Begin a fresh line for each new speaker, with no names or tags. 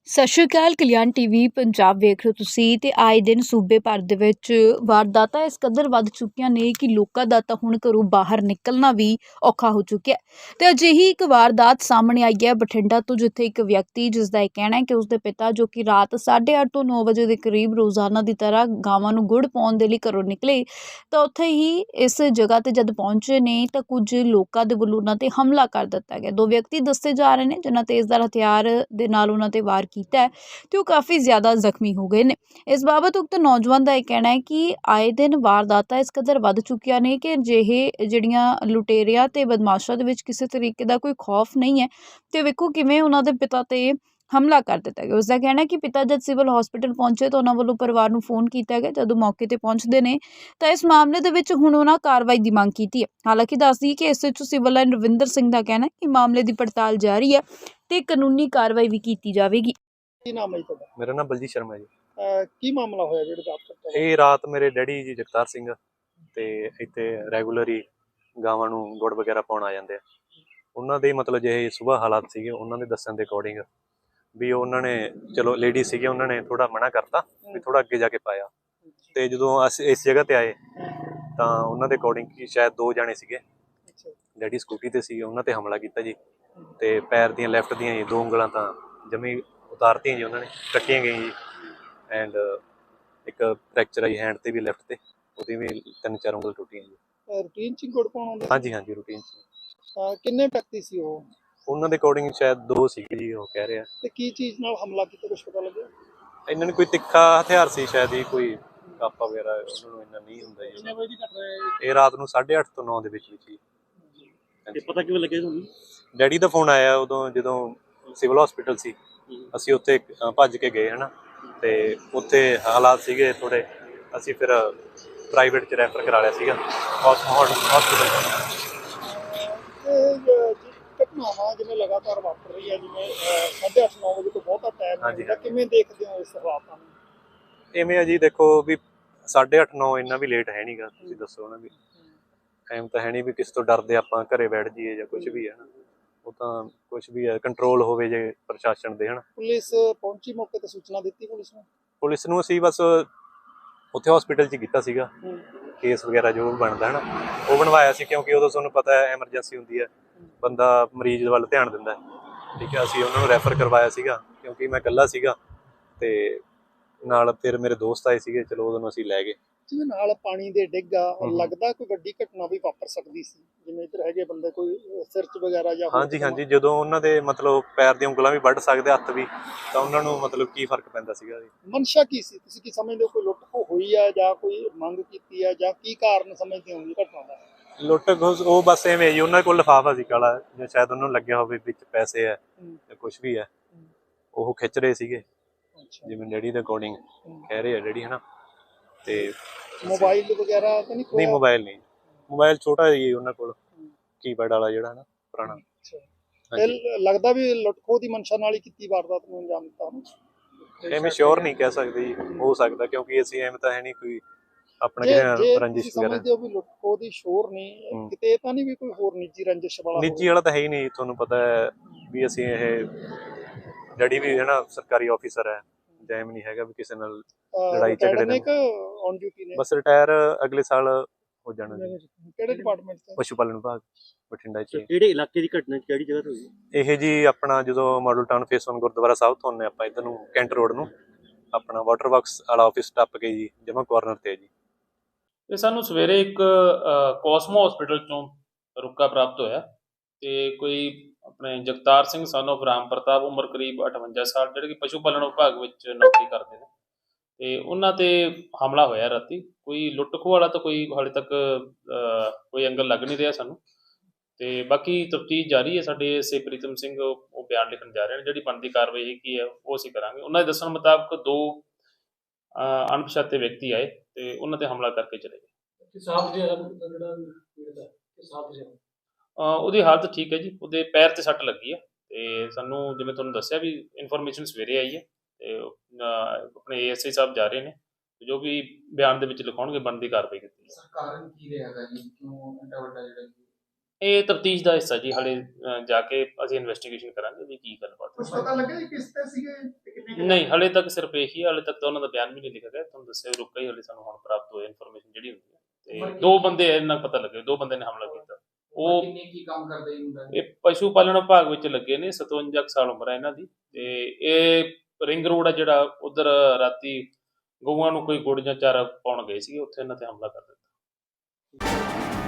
ਸਤਿ ਸ਼੍ਰੀ ਅਕਾਲ। ਕਲਿਆਣ ਟੀਵੀ ਪੰਜਾਬ ਵੇਖ ਰਹੇ ਹੋ ਤੁਸੀਂ ਤੇ ਆਏ ਦਿਨ ਸੂਬੇ ਭਰ ਦੇ ਵਿੱਚ ਵਾਰਦਾਤਾਂ ਇਸ ਕਦਰ ਵੱਧ ਚੁੱਕੀਆਂ ਨੇ ਕਿ ਲੋਕਾਂ ਦਾ ਤਾਂ ਹੁਣ ਘਰੋਂ ਬਾਹਰ ਨਿਕਲਣਾ ਵੀ ਔਖਾ ਹੋ ਚੁੱਕਿਆ ਤੇ ਅਜਿਹੀ ਇੱਕ ਵਾਰਦਾਤ ਸਾਹਮਣੇ ਆਈ ਹੈ ਬਠਿੰਡਾ ਤੋਂ, ਜਿੱਥੇ ਇੱਕ ਵਿਅਕਤੀ ਜਿਸ ਦਾ ਇਹ ਕਹਿਣਾ ਹੈ ਕਿ ਉਸਦੇ ਪਿਤਾ ਜੋ ਕਿ ਰਾਤ 8:30 ਤੋਂ 9 ਵਜੇ ਦੇ ਕਰੀਬ ਰੋਜ਼ਾਨਾ ਦੀ ਤਰ੍ਹਾਂ ਗਾਵਾਂ ਨੂੰ ਗੁੜ ਪਾਉਣ ਦੇ ਲਈ ਘਰੋਂ ਨਿਕਲੇ ਤਾਂ ਉੱਥੇ ਹੀ ਇਸ ਜਗ੍ਹਾ ਤੇ ਜਦ ਪਹੁੰਚੇ ਨੇ ਤਾਂ ਕੁਝ ਲੋਕਾਂ ਦੇ ਵੱਲੋਂ ਉਹਨਾਂ ਤੇ ਹਮਲਾ ਕਰ ਦਿੱਤਾ ਗਿਆ। ਦੋ ਵਿਅਕਤੀ ਦੱਸੇ ਜਾ ਰਹੇ ਨੇ ਜਿਨ੍ਹਾਂ ਤੇਜ਼ਧਾਰ ਹਥਿਆਰ ਦੇ ਨਾਲ ਉਹਨਾਂ ਤੇ ਵਾਰ ਕੀਤਾ ਹੈ ਤੇ ਉਹ ਕਾਫੀ ਜ਼ਿਆਦਾ ਜ਼ਖਮੀ ਹੋ ਗਏ ਨੇ। ਇਸ ਬਾਬਤ ਉਕਤ ਨੌਜਵਾਨ ਦਾ ਇਹ ਕਹਿਣਾ ਹੈ ਕਿ ਆਏ ਦਿਨ ਵਾਰਦਾਤਾਂ ਇਸ ਕਦਰ ਵੱਧ ਚੁੱਕੀਆਂ ਨੇ ਕਿ ਜਿਹੜੀਆਂ ਲੁਟੇਰਿਆਂ ਤੇ ਬਦਮਾਸ਼ਾਂ ਦੇ ਵਿੱਚ ਕਿਸੇ ਤਰੀਕੇ ਦਾ ਕੋਈ ਖੌਫ ਨਹੀਂ ਹੈ ਤੇ ਵੇਖੋ ਕਿਵੇਂ ਉਹਨਾਂ ਦੇ ਪਿਤਾ ਤੇ ਹਮਲਾ ਕਰ ਦਿੱਤਾ ਗਿਆ। ਉਸਦਾ ਕਹਿਣਾ ਹੈ ਕਿ ਪਿਤਾ ਜਦ ਸਿਵਲ ਹਸਪੀਟਲ ਪਹੁੰਚੇ ਤਾਂ ਉਹਨਾਂ ਵੱਲੋਂ ਪਰਿਵਾਰ ਨੂੰ ਫੋਨ ਕੀਤਾ ਗਿਆ। ਜਦੋਂ ਮੌਕੇ ਤੇ ਪਹੁੰਚਦੇ ਨੇ ਤਾਂ ਇਸ ਮਾਮਲੇ ਦੇ ਵਿੱਚ ਹੁਣ ਉਹਨਾਂ ਕਾਰਵਾਈ ਦੀ ਮੰਗ ਕੀਤੀ ਹੈ। ਹਾਲਾਂਕਿ ਦੱਸਦੀ ਕਿ SHO civil line Ravinder Singh ਦਾ ਕਹਿਣਾ ਹੈ ਕਿ ਮਾਮਲੇ ਦੀ ਪੜਤਾਲ ਜਾਰੀ ਹੈ ਤੇ ਕਾਨੂੰਨੀ ਕਾਰਵਾਈ ਵੀ ਕੀਤੀ ਜਾਵੇਗੀ।
ਕੀ ਨਾਮ ਹੈ ਜੀ ਤੁਹਾਡਾ?
ਮੇਰਾ ਨਾਮ ਬਲਜੀਤ ਸ਼ਰਮਾ ਜੀ।
ਕੀ ਮਾਮਲਾ ਹੋਇਆ ਜਿਹੜੇ ਰਾਤ ਤੱਕ?
ਇਹ ਰਾਤ ਮੇਰੇ ਡੈਡੀ ਜੀ ਜਗਤਾਰ ਸਿੰਘ ਤੇ ਇੱਥੇ ਰੈਗੂਲਰ ਗਾਵਾਂ ਨੂੰ ਗੁੜ ਵਗੈਰਾ ਪਾਉਣ ਆ ਜਾਂਦੇ ਆ। ਉਹਨਾਂ ਦੇ ਮਤਲਬ ਜਿਹੇ ਸੁਬਾਹ ਹਾਲਾਤ ਸੀਗੇ ਉਹਨਾਂ ਦੇ ਦੱਸਣ ਦੇ ਅਕੋਰਡਿੰਗ ਵੀ ਉਹਨਾਂ ਨੇ ਚਲੋ ਲੇਡੀ ਸੀਗੇ, ਉਹਨਾਂ ਨੇ ਥੋੜਾ ਮਨਾ ਕਰਤਾ ਵੀ ਥੋੜਾ ਅੱਗੇ ਜਾ ਕੇ ਪਾਇਆ। ਤੇ ਜਦੋਂ ਅਸੀਂ ਇਸ ਜਗ੍ਹਾ ਤੇ ਆਏ ਤਾਂ ਉਹਨਾਂ ਦੇ ਅਕੋਰਡਿੰਗ ਕਿ ਸ਼ਾਇਦ 2 ਜਾਣੇ ਸੀਗੇ, ਡੈਡੀ ਸਕੂਟੀ ਤੇ ਸੀਗੇ, ਉਹਨਾਂ ਤੇ ਹਮਲਾ ਕੀਤਾ ਜੀ। ਤੇ ਪੈਰ ਦੀਆਂ ਲੈਫਟ ਦੀਆਂ ਜੀ 2 ਉਂਗਲਾਂ ਤਾਂ ਜਮੀ ਉਤਾਰਤੀਆਂ ਜੀ, ਉਹਨਾਂ ਨੇ ਕੱਟੀਆਂ ਗਈਆਂ ਜੀ। ਐਂਡ ਇੱਕ ਫ੍ਰੈਕਚਰ ਆਈ ਹੈਂਡ ਤੇ ਵੀ, ਲੈਫਟ ਤੇ ਉਹਦੀ ਵੀ 3-4 ਉਂਗਲ ਟੁੱਟੀਆਂ ਜੀ।
ਰੂਟੀਨ ਚ ਗੁੜ ਪਾਉਣ ਆਉਂਦੇ?
ਹਾਂਜੀ ਰੂਟੀਨ ਚ।
ਕਿੰਨੇ ਵਿਅਕਤੀ ਸੀ ਉਹ?
ਉਹਨਾਂ ਦੇ ਅਕੋਰਡਿੰਗ ਸ਼ਾਇਦ 2 ਸੀਗੇ ਜੀ, ਉਹ ਕਹਿ ਰਹੇ ਆ।
ਤੇ ਕੀ ਚੀਜ਼ ਨਾਲ ਹਮਲਾ ਕੀਤਾ ਕੁਝ ਪਤਾ ਲੱਗਿਆ?
ਇਹਨਾਂ ਨੇ ਕੋਈ ਤਿੱਖਾ ਹਥਿਆਰ ਸੀ ਸ਼ਾਇਦ ਹੀ, ਕੋਈ ਕਾਪਾ ਵਗੈਰਾ, ਉਹਨਾਂ ਨੂੰ ਇੰਨਾ ਨਹੀਂ ਹੁੰਦਾ ਜੀ।
ਕਿੰਨੇ ਵਜੇ ਦੀ ਘਟਨਾ ਹੈ
ਇਹ ਰਾਤ ਨੂੰ 8:30 ਤੋਂ 9 ਦੇ ਵਿੱਚ ਜੀ।
ਤੇ ਪਤਾ ਕਿਵੇਂ ਲੱਗਿਆ ਤੁਹਾਨੂੰ?
ਡੈਡੀ ਦਾ ਫੋਨ ਆਇਆ ਉਦੋਂ ਜਦੋਂ ਸਿਵਲ ਹਸਪੀਟਲ ਸੀ, ਅਸੀਂ ਉੱਥੇ ਭੱਜ ਕੇ ਗਏ ਹਨਾ। ਤੇ ਉੱਥੇ ਹਾਲਾਤ ਸੀਗੇ ਥੋੜੇ, ਅਸੀਂ ਫਿਰ ਪ੍ਰਾਈਵੇਟ ਚ ਰੈਫਰ ਕਰਾ ਲਿਆ ਸੀਗਾ ਹਸਪੀਟਲ।
ਘਟਨਾਵਾਂ ਜਿਵੇਂ ਲਗਾਤਾਰ ਵਾਪਰ ਰਹੀ ਹੈ, ਜਿਵੇਂ 8:30-9 ਵਜੇ ਤੋਂ ਬਹੁਤਾ ਟਾਈਮ ਹੈ, ਕਿਵੇਂ ਦੇਖਦੇ ਹੋ ਇਸ ਹਾਲਾਤਾਂ ਨੂੰ?
ਇਵੇਂ ਆ ਜੀ, ਦੇਖੋ ਵੀ 8:30-9 ਇੰਨਾ ਵੀ ਲੇਟ ਹੈ ਨਹੀਂਗਾ, ਤੁਸੀਂ ਦੱਸੋ ਨਾ ਵੀ ਟਾਈਮ ਤਾਂ ਹੈ ਨਹੀਂ ਵੀ ਕਿਸੇ ਤੋਂ ਡਰਦੇ ਆਪਾਂ ਘਰੇ ਬੈਠ ਜਾਈਏ ਜਾਂ ਕੁਝ ਵੀ ਹੈ ਨਾ। ਉਹ ਤਾਂ ਕੁਝ ਵੀ ਹੈ, ਕੰਟਰੋਲ ਹੋਵੇ ਜੇ ਪ੍ਰਸ਼ਾਸਨ ਦੇ ਹਨਾ।
ਪੁਲਿਸ ਪਹੁੰਚੀ ਮੌਕੇ ਤੇ ਸੂਚਨਾ ਦਿੱਤੀ
ਪੁਲਿਸ ਨੂੰ ਅਸੀਂ ਬਸ ਉੱਥੇ ਹਸਪੀਟਲ 'ਚ ਕੀਤਾ ਸੀਗਾ ਕੇਸ ਵਗੈਰਾ ਜੋ ਵੀ ਬਣਦਾ ਹਨਾ, ਉਹ ਬਣਵਾਇਆ ਸੀ। ਕਿਉਂਕਿ ਉਦੋਂ ਤੁਹਾਨੂੰ ਪਤਾ ਹੈ ਐਮਰਜੈਂਸੀ ਹੁੰਦੀ ਹੈ, ਬੰਦਾ ਮਰੀਜ਼ ਵੱਲ ਧਿਆਨ ਦਿੰਦਾ, ਠੀਕ ਹੈ। ਅਸੀਂ ਉਹਨਾਂ ਨੂੰ ਰੈਫਰ ਕਰਵਾਇਆ ਸੀਗਾ ਕਿਉਂਕਿ ਮੈਂ ਇਕੱਲਾ ਸੀਗਾ ਤੇ ਨਾਲ ਫਿਰ ਮੇਰੇ ਦੋਸਤ ਆਏ ਸੀਗੇ, ਚਲੋ ਉਦੋਂ ਨੂੰ ਅਸੀਂ ਲੈ ਗਏ।
ਜਿਹਦੇ ਨਾਲ ਪਾਣੀ ਦੇ ਡਿੱਗਾ ਲੱਗਦਾ ਕੋਈ ਵੱਡੀ ਘਟਨਾ ਵੀ ਵਾਪਰ ਸਕਦੀ ਸੀ, ਜਿਵੇਂ ਇੱਧਰ ਹੈਗੇ ਬੰਦੇ ਕੋਈ ਸਿਰ 'ਚ ਵਗੈਰਾ ਜਾਂ?
ਹਾਂਜੀ ਜਦੋਂ ਉਹਨਾਂ ਦੇ ਮਤਲਬ ਪੈਰ ਦੀਆਂ ਉਂਗਲਾਂ ਵੀ ਵੱਢ ਸਕਦੇ, ਹੱਥ ਵੀ, ਤਾਂ ਉਹਨਾਂ ਨੂੰ ਮਤਲਬ ਕੀ ਫਰਕ ਪੈਂਦਾ ਸੀਗਾ ਜੀ।
ਮਨਸ਼ਾ ਕੀ ਸੀ, ਤੁਸੀਂ ਕੀ ਸਮਝਦੇ ਹੋ? ਕੋਈ ਲੁੱਟ ਖੋਹ ਹੋਈ ਆ ਜਾਂ ਕੋਈ ਮੰਗ ਕੀਤੀ ਆ ਜਾਂ ਕੀ ਕਾਰਨ ਸਮਝਦੇ ਹੋ ਘਟਨਾ ਦਾ?
ਲੁੱਟ ਉਹ ਬਸ ਐਵੇਂ ਜੀ, ਉਹਨਾਂ ਕੋਲ ਲਿਫਾਫਾ ਸੀ ਕਾਲਾ, ਜਾਂ ਸ਼ਾਇਦ ਉਹਨਾਂ ਨੂੰ ਲੱਗਿਆ ਹੋਵੇ ਵਿੱਚ ਪੈਸੇ ਹੈ ਜਾਂ ਕੁਛ ਵੀ ਹੈ, ਉਹ ਖਿੱਚ ਰਹੇ ਸੀਗੇ ਜਿਵੇਂ ਡੈਡੀ ਦੇ ਅਕੋਰਡਿੰਗ ਕਹਿ ਰਹੇ ਆ ਡੈਡੀ ਹਨਾ। ਤੇ
ਮੋਬਾਈਲ ਵਗੈਰਾ ਤਾਂ
ਨਹੀਂ? ਮੋਬਾਈਲ ਨਹੀਂ, ਮੋਬਾਈਲ ਛੋਟਾ ਜੀ ਉਹਨਾਂ ਕੋਲ, ਕੀਪੈਡ ਵਾਲਾ ਜਿਹੜਾ ਹਨਾ, ਪੁਰਾਣਾ।
ਲੱਗਦਾ ਵੀ ਲੁੱਟ ਖੋਹ ਦੀ ਮਨਸ਼ਾ ਨਾਲ ਹੀ ਕੀਤੀ ਵਾਰਦਾਤ ਨੂੰ ਅੰਜਾਮ ਦਿੱਤਾ।
ਐਵੇਂ ਸ਼ੋਰ ਨਹੀਂ ਕਹਿ ਸਕਦੇ ਜੀ, ਹੋ ਸਕਦਾ ਕਿਉਂਕਿ ਅਸੀਂ ਐਵੇਂ ਤਾਂ ਹੈ ਨਹੀਂ ਕੋਈ ਆਪਣਾ ਰੰਜਿਸ਼ ਵਗੈਰਾ।
ਸਮਝਦੇ ਹੋ ਵੀ ਲੁੱਟ ਖੋਹ ਦੀ ਸ਼ੋਰ ਨਹੀਂ ਕਿਤੇ, ਤਾਂ ਨਹੀਂ ਵੀ ਕੋਈ ਹੋਰ ਨਿੱਜੀ ਰੰਜਿਸ਼ ਵਾਲਾ?
ਨਿੱਜੀ ਵਾਲਾ ਤਾਂ ਹੈ ਹੀ ਨਹੀਂ, ਤੁਹਾਨੂੰ ਪਤਾ ਹੈ ਵੀ ਅਸੀਂ ਇਹ ਡੈਡੀ ਵੀ ਹੈ ਨਾ ਸਰਕਾਰੀ ਆਫਿਸਰ ਹੈ, ਟਾਈਮ ਨਹੀਂ ਹੈਗਾ ਵੀ ਕਿਸੇ ਨਾਲ ਲੜਾਈ ਝਗੜੇ ਦੇ।
ਔਨ ਡਿਊਟੀ ਨੇ?
ਬਸ ਰਿਟਾਇਰ ਅਗਲੇ ਸਾਲ ਹੋ ਜਾਣਾ।
ਕਿਹੜੇ ਡਿਪਾਰਟਮੈਂਟ ਤੋਂ?
ਪਸ਼ੂ ਪਾਲਣ ਵਿਭਾਗ, ਬਠਿੰਡਾ ਚ।
ਕਿਹੜੇ ਇਲਾਕੇ ਦੀ ਘਟਨਾ, ਕਿਹੜੀ ਜਗ੍ਹਾ ਤੋਂ ਹੋਈ
ਇਹ ਜੀ? ਆਪਣਾ ਜਦੋਂ ਮਾਡਲ ਟਾਊਨ ਫੇਸ 1 ਗੁਰਦੁਆਰਾ ਸਾਹਿਬ ਤੋਂ ਆਉਂਦੇ ਆਪਾਂ ਇੱਧਰ ਨੂੰ ਕੈਂਟ ਰੋਡ ਨੂੰ, ਆਪਣਾ ਵਾਟਰ ਵਰਕਸ ਵਾਲਾ ਆਫਿਸ ਟੱਪ ਕੇ ਜੀ ਜਮਾ ਕਾਰਨਰ ਤੇ ਜੀ।
ਇਹ ਸਾਨੂੰ ਸਵੇਰੇ ਇੱਕ ਕੋਸਮੋ ਹਸਪੀਟਲ ਚੋਂ ਰੁਕਾ ਪ੍ਰਾਪਤ ਹੋਇਆ ਤੇ ਕੋਈ ਆਪਣੇ ਜਗਤਾਰ ਸਿੰਘ son of ਰਾਮ ਪ੍ਰਤਾਪ, ਉਮਰ ਕਰੀਬ 58 ਸਾਲ, ਜਿਹੜੇ ਕਿ ਪਸ਼ੂ ਪਾਲਣ ਵਿਭਾਗ ਵਿੱਚ ਨੌਕਰੀ ਕਰਦੇ ਨੇ, ਤੇ ਉਹਨਾਂ ਤੇ ਹਮਲਾ ਹੋਇਆ ਰਾਤੀ। ਕੋਈ ਲੁੱਟ ਖੋਹ ਵਾਲਾ ਤਾਂ ਕੋਈ ਹਾਲੇ ਤੱਕ ਕੋਈ ਐਂਗਲ ਲੱਗ ਨਹੀਂ ਰਿਹਾ ਸਾਨੂੰ, ਤੇ ਬਾਕੀ ਤਫਤੀਸ਼ ਜਾਰੀ ਹੈ। ਸਾਡੇ ਐਸਏ ਪ੍ਰੀਤਮ ਸਿੰਘ ਉਹ ਬਿਆਨ ਲਿਖਣ ਜਾ ਰਹੇ ਨੇ, ਜਿਹੜੀ ਬਣਦੀ ਕਾਰਵਾਈ ਕੀ ਹੈ ਉਹ ਅਸੀਂ ਕਰਾਂਗੇ। ਉਹਨਾਂ ਦੇ ਦੱਸਣ ਮੁਤਾਬਕ 2 ਅਣਪਛਾਤੇ ਵਿਅਕਤੀ ਆਏ ਤੇ ਉਹਨਾਂ ਤੇ ਹਮਲਾ ਕਰਕੇ ਚਲੇ ਗਏ। ਉਹਦੀ ਹਾਲਤ ਠੀਕ ਹੈ ਜੀ, ਉਹਦੇ ਪੈਰ ਤੇ ਸੱਟ ਲੱਗੀ ਹੈ ਤੇ ਸਾਨੂੰ ਜਿਵੇਂ ਤੁਹਾਨੂੰ ਦੱਸਿਆ ਵੀ ਇਨਫੋਰਮੇਸ਼ਨ ਸਵੇਰੇ ਆਈ ਹੈ ਤੇ ਆਪਣੇ ਏਐਸਆਈ ਸਾਹਿਬ ਜਾ ਰਹੇ ਨੇ, ਜੋ ਵੀ ਬਿਆਨ ਦੇ ਵਿੱਚ ਲਿਖਾਉਣਗੇ ਬਣਦੀ ਕਾਰਵਾਈ ਕੀਤੀ ਹੈ।
ਕਾਰਨ ਕੀ ਰਹੇਗਾ ਜੀ, ਕਿਉਂ ਇੰਨਾ ਵੱਡਾ ਜਿਹੜਾ?
ਇਹ ਤਫਤੀਸ਼ ਦਾ ਹਿੱਸਾ ਜੀ, ਹਾਲੇ ਜਾ ਕੇ ਅਸੀਂ ਇਨਵੈਸਟੀਗੇਸ਼ਨ ਕਰਾਂਗੇ ਵੀ ਕੀ ਗੱਲਬਾਤ ਹੈ।
ਕੁਝ ਪਤਾ ਲੱਗਿਆ ਕਿਸ ਤੇ ਸੀਗੇ ਤੇ ਕਿੰਨੇ
ਨਹੀਂ, ਹਲੇ ਤੱਕ ਸਿਰਫ ਇਹੀ ਹੈ, ਹਲੇ ਤੱਕ ਤਾਂ ਉਹਨਾਂ ਦਾ ਬਿਆਨ ਵੀ ਨਹੀਂ ਲਿਖਿਆ ਗਿਆ। ਤੁਹਾਨੂੰ ਦੱਸਿਆ ਰੁਕਾ ਹੀ ਹਲੇ ਸਾਨੂੰ ਹੁਣ ਪ੍ਰਾਪਤ ਹੋਈ ਇਨਫੋਰਮੇਸ਼ਨ ਜਿਹੜੀ ਹੁੰਦੀ ਹੈ, ਤੇ 2 ਬੰਦੇ ਇਹਨਾਂ ਪਤਾ ਲੱਗੇ, 2 ਬੰਦੇ ਨੇ ਹਮਲਾ ਕੀਤਾ। ਉਹ
ਕੀ ਕੰਮ ਕਰਦੇ ਮੁੰਡਾ?
ਇਹ ਪਸ਼ੂ ਪਾਲਣ ਵਿਭਾਗ ਵਿੱਚ ਲੱਗੇ ਨੇ, 57 ਕੁ ਸਾਲ ਉਮਰ ਹੈ ਇਹਨਾਂ ਦੀ, ਤੇ ਇਹ ਰਿੰਗ ਰੋਡ ਆ ਜਿਹੜਾ, ਉਧਰ ਰਾਤੀ ਗਊਆਂ ਨੂੰ ਕੋਈ ਗੁੜ ਜਾਂ ਚਾਰਾ ਪਾਉਣ ਗਏ ਸੀਗੇ, ਉੱਥੇ ਇਹਨਾਂ ਤੇ ਹਮਲਾ ਕਰ ਦਿੱਤਾ।